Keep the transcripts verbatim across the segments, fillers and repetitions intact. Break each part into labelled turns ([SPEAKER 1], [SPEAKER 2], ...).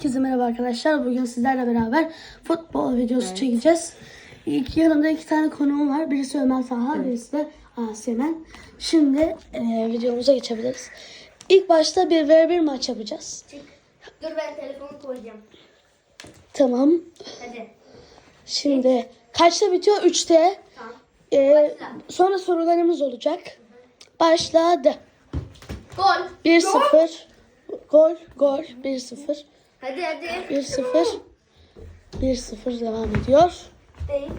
[SPEAKER 1] Herkese merhaba arkadaşlar. Bugün sizlerle beraber futbol videosu evet. çekeceğiz. İlk yanımda iki tane konuğum var. Birisi Ömer Talha, evet. birisi de Asimen. Şimdi e, videomuza geçebiliriz. İlk başta bir ve bir maç yapacağız.
[SPEAKER 2] Çık. Dur ben telefonu koyacağım.
[SPEAKER 1] Tamam.
[SPEAKER 2] Hadi.
[SPEAKER 1] Şimdi evet. kaçta bitiyor? üçte.
[SPEAKER 2] Tamam.
[SPEAKER 1] E, sonra sorularımız olacak. Başladı.
[SPEAKER 2] Gol.
[SPEAKER 1] bir sıfır. Gol. Gol. bir sıfır.
[SPEAKER 2] Hadi hadi.
[SPEAKER 1] bir sıfır. bir sıfır devam ediyor.
[SPEAKER 2] Değil.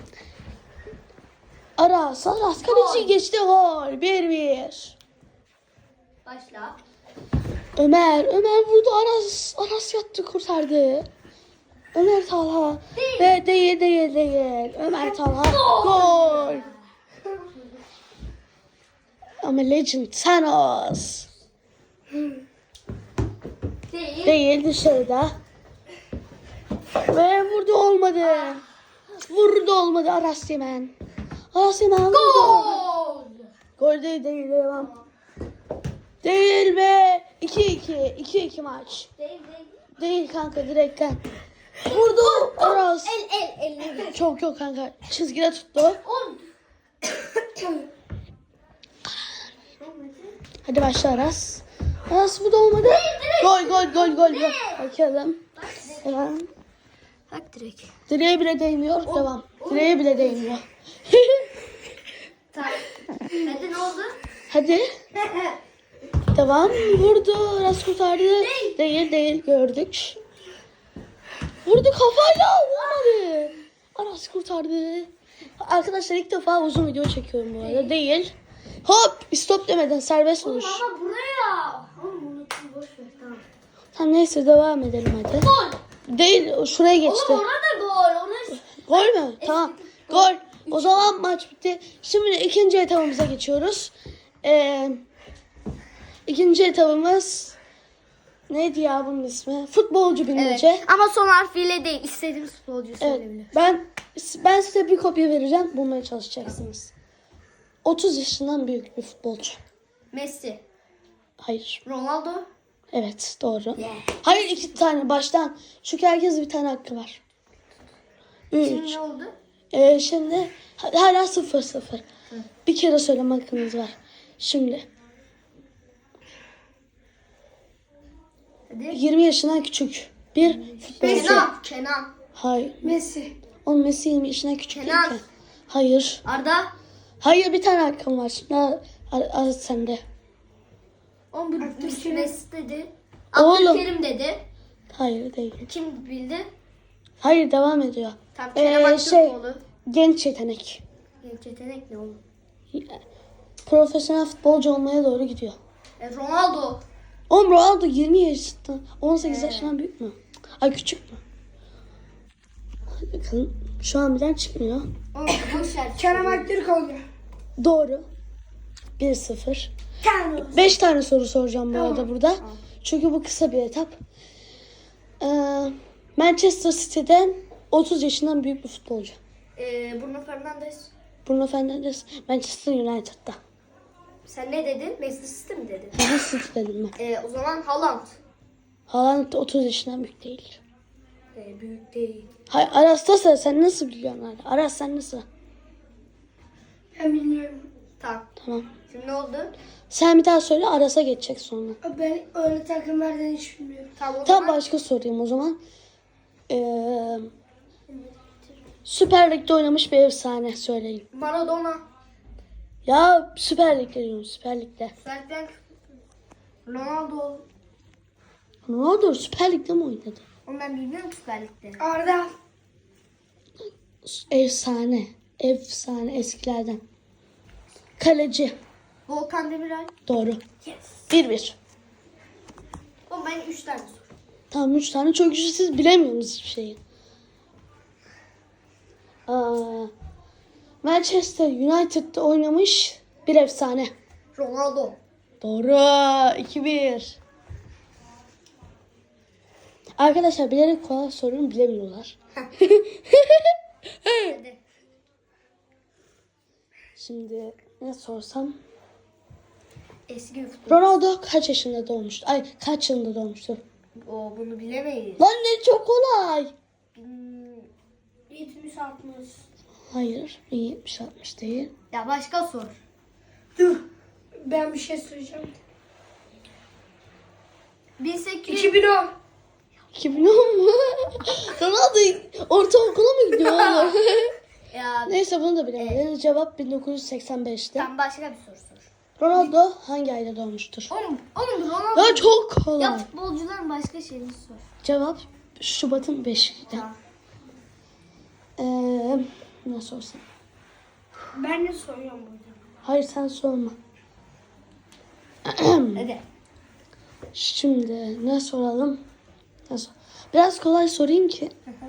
[SPEAKER 1] Aras. Aras kaleci geçti. Gol. bir bir.
[SPEAKER 2] Başla.
[SPEAKER 1] Ömer. Ömer vurdu. Aras. Aras yattı kurtardı. Ömer Talha.
[SPEAKER 2] Değil.
[SPEAKER 1] Ve değil değil değil. Ömer Talha. Gol. Ama Legend Thanos.
[SPEAKER 2] Değil.
[SPEAKER 1] Değil dışarıda. Ve vurdu olmadı. Vurdu olmadı Aras Yemen. Aras Yemen vurdu.
[SPEAKER 2] Gol.
[SPEAKER 1] Gol değil değil devam. Değil be. iki iki. iki iki maç.
[SPEAKER 2] Değil değil.
[SPEAKER 1] Değil kanka direkten. Vurdu Aras.
[SPEAKER 2] El el el.
[SPEAKER 1] Çok yok kanka. Çizgide tuttu.
[SPEAKER 2] On.
[SPEAKER 1] Hadi başla Aras. Aras bu da olmadı. Gol gol gol gol. gol. Bakalım. Hemen.
[SPEAKER 2] Bak direkt.
[SPEAKER 1] Direğe bile değmiyor. Devam. Direğe bile değmiyor.
[SPEAKER 2] Tamam. Hadi ne oldu?
[SPEAKER 1] Hadi. Devam. Vurdu. Aras kurtardı. Değil. Değil değil. Gördük. Vurdu kafayla. Olmadı. Aras kurtardı. Arkadaşlar ilk defa uzun video çekiyorum bu arada. Değil. Hop. Stop demeden serbest vuruş.
[SPEAKER 2] Ama buraya. Oğlum unuttum boş ver tamam.
[SPEAKER 1] Tamam neyse devam edelim hadi.
[SPEAKER 2] Gol.
[SPEAKER 1] Değil. Şuraya geçti.
[SPEAKER 2] Oğlum orada gol. Ona...
[SPEAKER 1] Gol mü? Tamam. Gol. O zaman maç bitti. Şimdi ikinci etabımıza geçiyoruz. Ee, ikinci etabımız neydi ya bunun ismi? Futbolcu bilmece.
[SPEAKER 2] Evet. Ama son harfiyle değil. İstediğim futbolcuyu
[SPEAKER 1] Evet.
[SPEAKER 2] söyleyebilir.
[SPEAKER 1] Ben ben size bir kopya vereceğim. Bulmaya çalışacaksınız. otuz yaşından büyük bir futbolcu.
[SPEAKER 2] Messi.
[SPEAKER 1] Hayır.
[SPEAKER 2] Ronaldo.
[SPEAKER 1] Evet doğru.
[SPEAKER 2] Yeah.
[SPEAKER 1] Hayır iki tane baştan. Çünkü herkes bir tane hakkı var.
[SPEAKER 2] Şimdi
[SPEAKER 1] Üç.
[SPEAKER 2] ne oldu?
[SPEAKER 1] Ee, şimdi hala sıfır sıfır. Bir kere söyleme hakkınız var. Şimdi
[SPEAKER 2] Hadi.
[SPEAKER 1] yirmi yaşından küçük bir futbolcu.
[SPEAKER 2] Kenan. Kenan.
[SPEAKER 1] Hayır.
[SPEAKER 2] Messi.
[SPEAKER 1] Oğlum Messi yirmi yaşından küçük
[SPEAKER 2] Kenan.
[SPEAKER 1] değil ki. Hayır.
[SPEAKER 2] Arda.
[SPEAKER 1] Hayır bir tane hakkım var. Ne? Az sende.
[SPEAKER 2] On bu Messi dedi.
[SPEAKER 1] Oğlum.
[SPEAKER 2] Abdülkerim dedi.
[SPEAKER 1] Hayır değil.
[SPEAKER 2] Kim bildi?
[SPEAKER 1] Hayır devam ediyor.
[SPEAKER 2] Tam Kerem
[SPEAKER 1] Ee,
[SPEAKER 2] Aktürkoğlu.
[SPEAKER 1] Genç yetenek.
[SPEAKER 2] Genç yetenek ne oğlum?
[SPEAKER 1] Profesyonel futbolcu olmaya doğru gidiyor.
[SPEAKER 2] E, Ronaldo.
[SPEAKER 1] Oğlum Ronaldo yirmi yaşında. on sekiz
[SPEAKER 2] Ee.
[SPEAKER 1] yaşından büyük mü? Ay küçük mü? Hadi bakalım. Şu an birden çıkmıyor.
[SPEAKER 2] Oğlum boş ver.
[SPEAKER 3] Kerem Aktürkoğlu.
[SPEAKER 1] Doğru. bir sıfır.
[SPEAKER 3] Kerem.
[SPEAKER 1] beş tane soru soracağım bu
[SPEAKER 3] Tamam.
[SPEAKER 1] arada burada. Çünkü bu kısa bir etap. Ee, Manchester City'den otuz yaşından büyük bir futbolcu.
[SPEAKER 2] E, Bruno Fernandes.
[SPEAKER 1] Bruno Fernandes Manchester United'da.
[SPEAKER 2] Sen ne dedin? Manchester City mi dedin?
[SPEAKER 1] Daha City dedim ben.
[SPEAKER 2] E, o zaman Haaland.
[SPEAKER 1] Haaland da otuz yaşından büyük değil.
[SPEAKER 2] E, büyük değil.
[SPEAKER 1] Hayır Aras'ta sen, sen nasıl biliyorsun hala? Aras sen nasıl?
[SPEAKER 3] Ben bilmiyorum.
[SPEAKER 2] Tamam.
[SPEAKER 1] Tamam.
[SPEAKER 2] Şimdi ne oldu?
[SPEAKER 1] Sen bir daha söyle Aras'a geçecek sonra.
[SPEAKER 3] Ben öyle takımlardan hiç bilmiyorum.
[SPEAKER 2] Tamam o
[SPEAKER 1] Tam
[SPEAKER 2] zaman.
[SPEAKER 1] başka sorayım o zaman. Ee, Süper Lig'de oynamış bir efsane söyleyin.
[SPEAKER 2] Maradona.
[SPEAKER 1] Ya Süper Lig'de diyorum Süper Lig'de.
[SPEAKER 2] Zaten Ronaldo.
[SPEAKER 1] Ronaldo Süper Lig'de mi oynadı?
[SPEAKER 2] Onu ben bilmiyorum ki Süper Lig'de.
[SPEAKER 3] Arda.
[SPEAKER 1] Efsane. Efsane eskilerden. Kaleci.
[SPEAKER 2] Volkan Demirel.
[SPEAKER 1] Doğru.
[SPEAKER 2] Yes.
[SPEAKER 1] bir bir.
[SPEAKER 2] O ben üç tane sor.
[SPEAKER 1] Tamam üç tane çok güçlü siz bilemiyorsunuz hiçbir şeyi. Aa, Manchester United'da oynamış bir efsane.
[SPEAKER 2] Ronaldo.
[SPEAKER 1] Doğru. iki bir. Arkadaşlar bilerek kolay soruyorum bilemiyorlar.
[SPEAKER 2] Hadi.
[SPEAKER 1] Şimdi ne sorsam?
[SPEAKER 2] Eski bir futbol.
[SPEAKER 1] Ronaldo kaç yaşında doğmuştu? Ay kaç yılında doğmuştu?
[SPEAKER 2] O bunu bilemeyiz.
[SPEAKER 1] Lan ne çok kolay.
[SPEAKER 2] Hmm,
[SPEAKER 3] yetmiş altmış.
[SPEAKER 1] Hayır. yetmiş altmış değil.
[SPEAKER 2] Ya başka sor.
[SPEAKER 3] Dur. Ben bir şey söyleyeceğim.
[SPEAKER 2] bin sekiz yüz.
[SPEAKER 3] iki bin on.
[SPEAKER 1] iki bin on mu? Ronaldo ortaokula mı gidiyor oğlum?
[SPEAKER 2] Ya
[SPEAKER 1] Neyse bunu da bilemedim. Cevap bin dokuz yüz seksen beşte.
[SPEAKER 2] sen başka bir soru sor.
[SPEAKER 1] Ronaldo hangi ayda doğmuştur?
[SPEAKER 2] Oğlum, oğlum Ronaldo.
[SPEAKER 1] Ya çok kolay.
[SPEAKER 2] Ya futbolcuların başka şeyini sor.
[SPEAKER 1] Cevap Şubat'ın beşinde.
[SPEAKER 2] Tamam.
[SPEAKER 1] Ee, ne sorsam?
[SPEAKER 3] Ben de soruyorum burada.
[SPEAKER 1] Hayır sen sorma.
[SPEAKER 2] Hadi.
[SPEAKER 1] Şimdi ne soralım? Ne sor- Biraz kolay sorayım ki.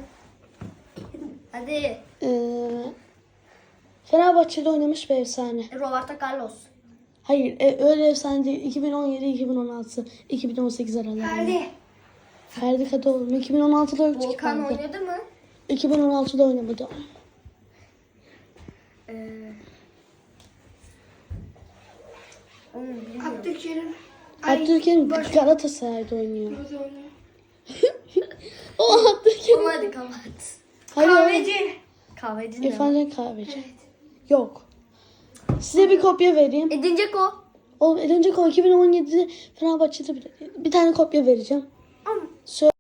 [SPEAKER 2] Hadi.
[SPEAKER 1] Ee, Fenerbahçe'de oynamış bir efsane.
[SPEAKER 2] Roberto Carlos.
[SPEAKER 1] Hayır e, öyle efsane değil. iki bin on yedi, iki bin on altı, iki bin on sekiz aralarında.
[SPEAKER 3] Hadi.
[SPEAKER 1] Ferdi Kadıoğlu. iki bin on altıda öldü ki
[SPEAKER 2] Volkan
[SPEAKER 1] Ferdi.
[SPEAKER 2] oynadı mı?
[SPEAKER 1] iki bin on altıda oynamadı.
[SPEAKER 2] Ee... Oğlum bilmiyorum.
[SPEAKER 3] Abdülkerim.
[SPEAKER 1] Abdülkerim
[SPEAKER 3] Boş-
[SPEAKER 1] Galatasaray'da oynuyor.
[SPEAKER 3] Burada oynuyor.
[SPEAKER 1] O Abdülkerim.
[SPEAKER 2] Oğlum hadi kapat.
[SPEAKER 1] Hayır.
[SPEAKER 3] Kahveci.
[SPEAKER 2] Kahveci ne?
[SPEAKER 1] İrfan Can Kahveci.
[SPEAKER 3] Evet.
[SPEAKER 1] Yok. Size bir kopya vereyim.
[SPEAKER 2] Edin Dzeko.
[SPEAKER 1] O önce iki bin on yedide Fenerbahçe'de bir, bir tane kopya vereceğim.
[SPEAKER 2] Ama
[SPEAKER 1] Söyle.